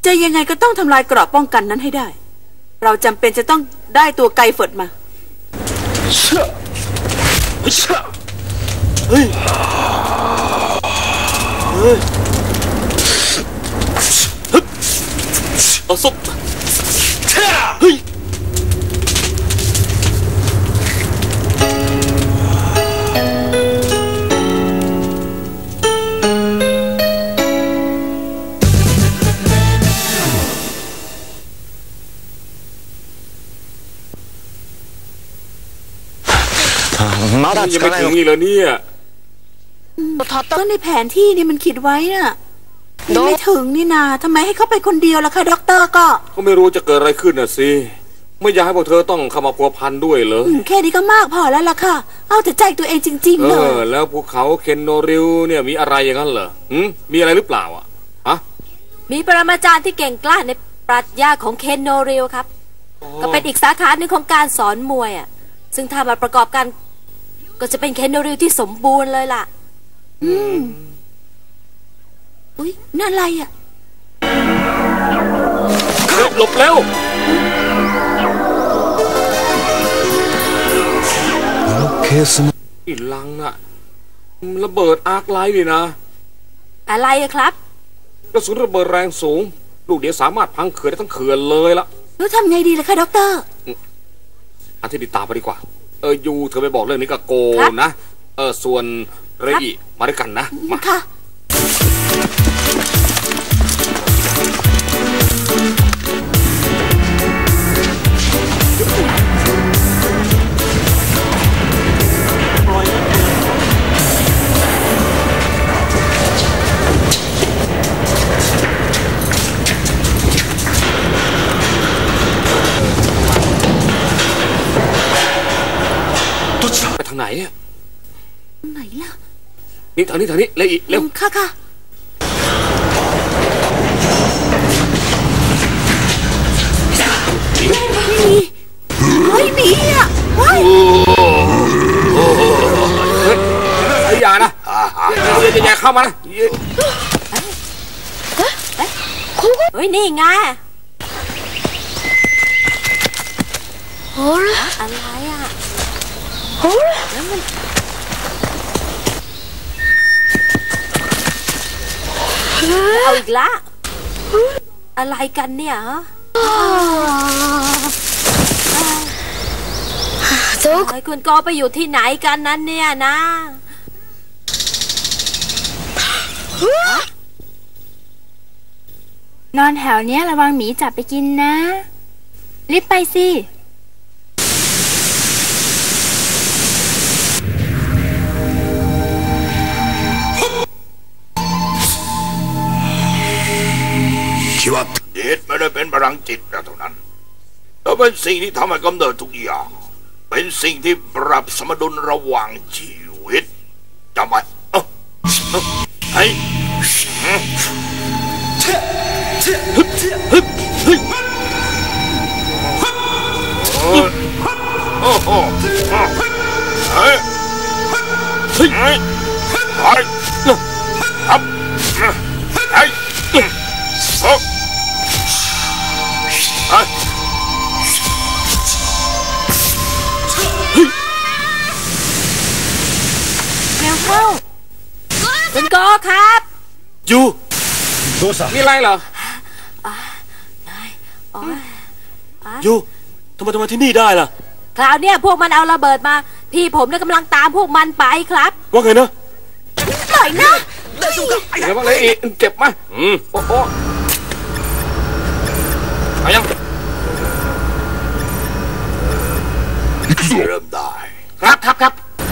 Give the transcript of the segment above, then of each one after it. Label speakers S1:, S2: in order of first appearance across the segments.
S1: จะยังไงก็ต้องทำลายเกราะป้องกันนั้นให้ได้เราจำเป็นจะต้องได้ตัวไกเฟิร์ดมา
S2: เฮ้ยเอาซุปเฮ้ย
S3: ยังไม่ถึงอีกแล้วเนี่ย
S1: ก็ในแผนที่นี่มันขีดไว้น่ะไม่ถึงนี่นาทำไมให้เขาไปคนเดียวล่ะคะด็อกเตอร์ก็
S3: ไม่รู้จะเกิดอะไรขึ้นน่ะสิไม่อยากให้พวกเธอต้องเข้ามาพัวพันด้วยเลย
S1: แค่นี้ก็มากพอแล้วล่ะค่ะเอาแต่ใจตัวเองจริงๆเลย
S3: แล้วภูเขาเคนโนริวเนี่ยมีอะไรอย่างนั้นเหรอมีอะไรหรือเปล่าฮะ
S4: มีปรมาจารย์ที่เก่งกล้าในปรัชญาของเคนโนริวครับก็เป็นอีกสาขาหนึ่งของการสอนมวยซึ่งถ้ามาประกอบกันก็จะเป็นเคนโนริวที่สมบูรณ์เลยล่ะ
S1: อุ๊ยนั่นอะไร
S3: หลบเร็วอีลังน่ะระเบิดอาร์คไลท์เลยนะ
S4: อะไรครับ
S3: กระสุนระเบิดแรงสูงลูกเดียวสามารถพังเขื่อนได้ทั้งเขื่อนเลยล่ะ
S1: แล้วทำไงดีล่ะคะด็อกเตอร์
S3: อันที่ดีตามไปดีกว่ายูเธอไปบอกเรื่องนี้กับโกนะส่วนเรอิมาด้วยกันนะมา
S1: ค่ะ
S3: ไปทางไหน
S1: ไหนล่ะ
S3: นี่ทางนี้เลยอีกเร็ว
S1: ค่ะมีเฮ้ย
S3: ไอ้ยานะอย่าเข้ามานะ
S4: เฮ้ยนี่ไงอะไรแล้วมันเอาอีกละอะไรกันเนี่ยฮะคุณก็ไปอยู่ที่ไหนกันนั้นเนี่ยนะ
S5: นอนแถวเนี้ยระวังหมีจับไปกินนะรีบไปสิ
S6: คิดว่าเดชไม่ได้เป็นพลังจิตเท่านั้นแต่เป็นสิ่งที่ทำให้กำเนิดทุกอย่างเป็นสิ่งที่ปรับสมดุลระหว่างชีวิตจำไว้ไอ้โอ้โหเฮ้ยเฮ้ยเฮ้ยครับเฮ้ยโอ้
S4: แล้วเข้าคุณโกครับ
S3: ยูมีอะไรเหรอ
S2: ยูทำไมที่นี่ได้ล่ะ
S4: คราวเนี้ยพวกมันเอาระเบิดมาพี่ผมเนี่ยกำลังตามพวกมันไปครับ
S2: ว่าไงนะ
S1: ปล่อยนะ
S3: เดี๋ยวว่าเลยเจ็บไหมโอ้โหไปยัง
S6: เริ่มได้
S3: ครับ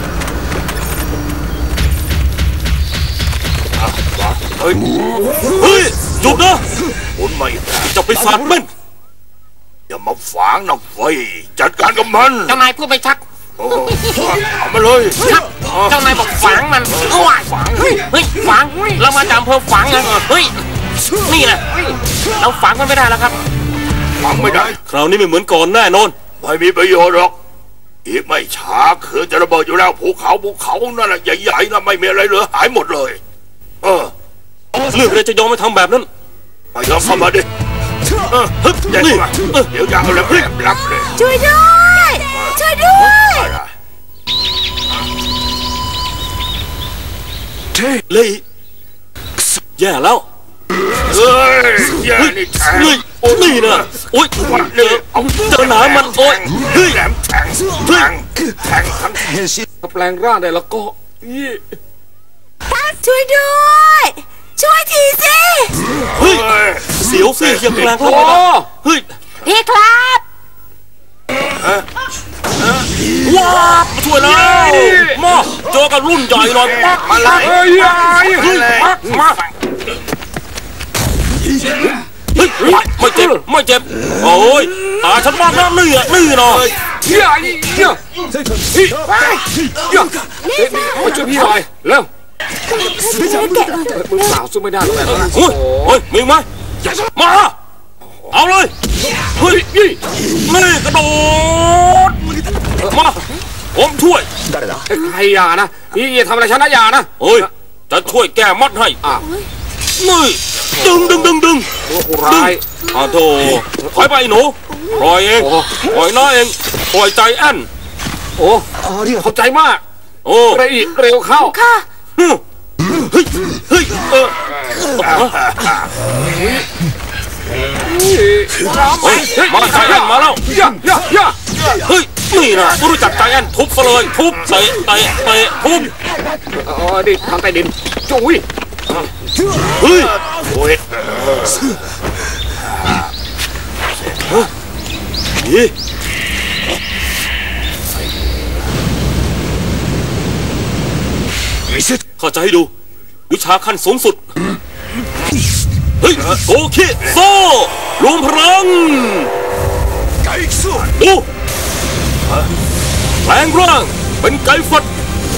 S2: เฮ้ยหยุดนะ
S6: คุณไม่
S2: จะไปสาดมัน
S6: อย่ามาฝังนะไฟจัดการกับมัน
S3: เจ้านายพูดไปชัด
S6: เอามาเลย
S3: ครับเจ้านายบอกฝังมันฝังเฮ้ยฝังเรามาจากอำเภอฝังไงเฮ้ยนี่แหละเราฝังมันไม่ได้แล้วครับ
S6: ฝังไม่ได้
S2: คราวนี้ไม่เหมือนก่อนแน่นอน
S6: ไม่มีประโยชน์หรอกอีกไม่ช้าคือจะระเบิดอยู่แล้วภูเขานั่นแหละใหญ่ๆนะไม่มีอะไรเหลือหายหมดเลย
S2: เรื่องอะไรจะยอมไม่ทำแบบนั้น
S6: มายอมเข้ามาดิฮึบเด็กมาเดี๋ยวจะเอาแล้วรับเลย
S1: ช่วยด้วยช่วยด้วย
S2: เลยแย่แล้ว
S6: เฮ้ยอย่านี่แทง
S2: นี่นะโอ๊ยเจอหนามมันโอ๊ยเฮ้ย
S6: แหลมแทงทั้ง
S3: ถ้าแปลงร่างได้แล้วก็
S1: ช่วยด้วยช่วยทีสิ
S2: เฮ้ยเสียวสิยังแปลงร่างไม่ได้เฮ้ย
S4: พี่ครับ
S2: ว้ามาช่วยแล้วมาเจอกับรุ่นใหญ่หน่อยปัก
S6: มาเลย
S2: เฮ้ยปักมาเฮ้ยไม่เจ็บไม่เจ็บโอ้ยตาฉันมากนะนี่อ่ะนี่หน่อย
S3: มาช่วยพี่หน่อยเร็วมือเปล่าสู้ไม่ได้แล้วแหละ
S2: เฮ้ยมีไหมมาเอาเลยเฮ้ยนี่กระโดดมาผมช่วย
S3: ใครอย่านะพี่ทำอะไรฉันนะอย่านะ
S2: เฮ้ยจะช่วยแก้มัดให้นี่ดึง
S3: ตัวผู้ร้าย
S2: โธ่ถอยไปหนูปล่อยเองปล่อยน้าเองปล่อยใจแอน
S3: โอ้เข้าใจมาก
S2: โอ้
S3: เร็วเข้า
S1: ค่ะ
S2: เฮ้ยมาใจแอนมาแล้วเฮ้ยนี่นะรู้จักใจแอนทุบซะเลยทุบเตะทุบ
S3: ดิทางใต้ดินจุ้ย
S2: เฮ้ย
S6: โอ้ย
S2: นี่เข้าใจให้ดูวิชาขั้นสูงสุดเฮ้ยโกคิโซรวมพลังดูแปลงร่างเป็นไก่ฟัด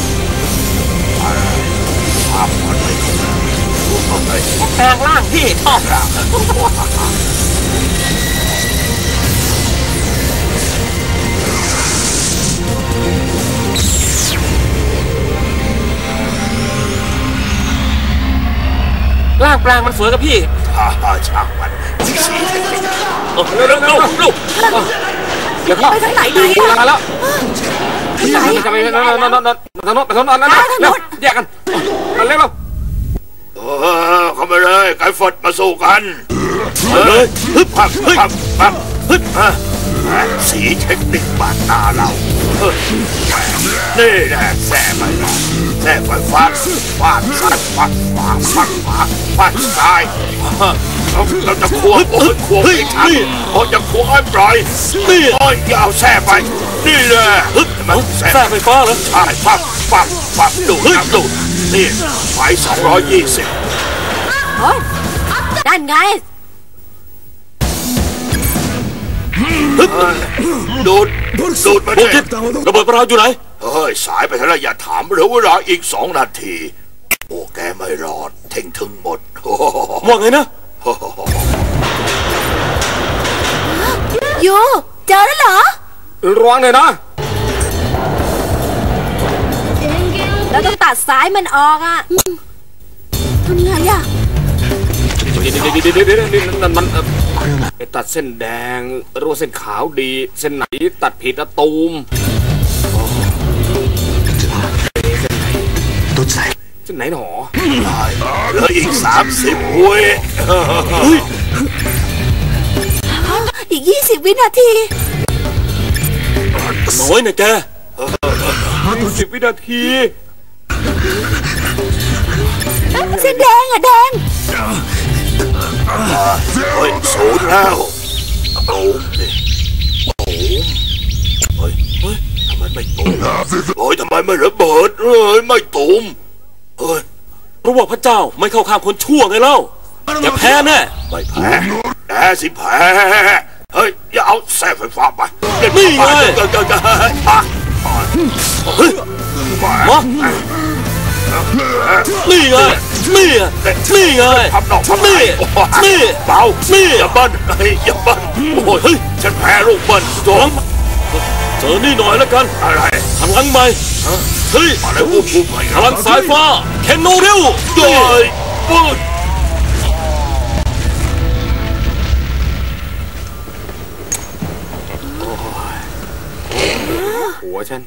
S3: แปลงร่างพี่ชอบร่างแปลงมันสวยกับพี่
S6: ช่างมัน
S2: เร็ว
S3: เดี๋ยวเข้า
S1: ไปทางไหนดี
S3: เว
S1: อะ
S3: ลาแล้วจะไปทางโน้นแยกกันเร็ว
S6: เข้ามาเลยไก่ฟดมาสู้กัน
S2: เลยฮึบ
S6: ปั๊บฮึบสีเทคนิคบาดตาเรานี่แหละแซ่ไปฟาดซ้ายเราจะควงไม่ทันเราจะควงให้ปล่อยนี่อย่าเอาแซ่ไปนี่แหละมัน
S2: แซ่ไฟฟ้าเหรอ
S6: ใช่ปั๊บดูนี่ไฟ220
S4: โอ้ยนั่นไง
S6: ดูดมา
S2: โบ
S6: ดิ
S2: กิระเบิดปราอยู่ไหน
S6: เฮ้ยสายไปเท่าไรอย่าถามเหลือเวลาอีก2 นาทีโอ้แกไม่รอดเท่งถึงหมด
S2: ว่าไงนะ
S1: ยูเจอแล้วเหรอ
S3: ระวังเลยนะ
S4: เราต้องตัดสายมันออกอ่ะ
S1: ทำไงอะ
S3: นั่นมันตัดเส้นแดงหรือว่าเส้นขาวดีเส้นไหนตัดผิดนะตูมเส้นไหนหนอ
S6: เหลืออีก30 วิ
S1: อีก20 วินาที
S2: น้อยนะแก
S3: 10 วินาที
S1: เส้นแดงอะแดง
S6: เฮ้ยศูนย์แล้วตูมดิเฮ้ยทำไมไม่ตูมทำไมไม่ระเบิดไม่ตูมเฮ้ย
S2: เพราะว่าพระเจ้าไม่เข้าข้างคนชั่วไงเล่าจะแพ้แน่
S6: ไม่แพ้แพ้เฮ้ยอย่าเอาแส่ไฟฟ้าไป
S2: นี่ไง มานี่ไงนี่ไง
S6: ทำดอกทำ
S2: นี่
S6: เบาอย่าเบิ้ลอย่าเบิ้ลโอ้ยฉันแพ้ลูกเบิ้ลโจม
S2: เจอนี่หน่อยแล้วกัน
S6: อะไร
S2: พลังใหม่เฮ้ย
S6: อะไรวูบไป
S2: พลังสายฟ้าเคนโนเร็ว
S6: โดย
S3: วฉัน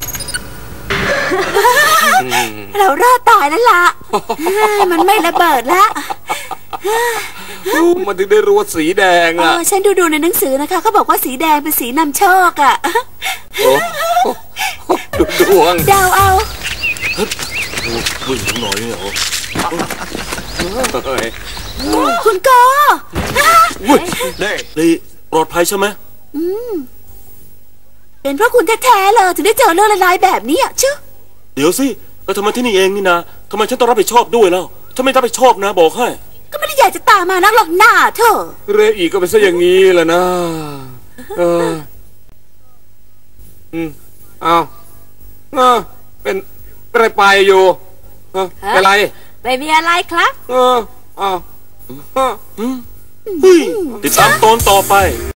S1: เรารอดตายแล้วล่ะ มันไม่ระเบิดละ
S3: มันถึงได้รู้ว่าสีแดงอ่ะ
S1: ฉันดูในหนังสือนะคะเขาบอกว่าสีแดงเป็นสีนำโชคอ่ะ
S3: ดูดวง
S1: เดาเอา
S2: วิ่งถึงหน่อยเหรอ
S1: คุณโก
S2: อุ้ยลีปลอดภัยใช่ไหม
S1: เป็นเพราะคุณแท้ๆเลยถึงได้เจอเรื่องร้ายๆแบบนี้อ่ะชื่อ
S2: เดี๋ยวสิก็ทำไมที่นี่เองนี่นะทำไมฉันต้องรับผิดชอบด้วยแล้วถ้าไม่รับผิดชอบนะบอกให้
S1: ก็ไม่ได้อยากจะตามมานักหรอกหน้าเธอ
S3: เรอีก็เป็นซะอย่างนี้แหละนะเอาเป็นอะไรไปอยู่เป็นไร
S4: ไม่มีอะไรครับ
S3: เอา
S2: ติดตามตอนต่อไป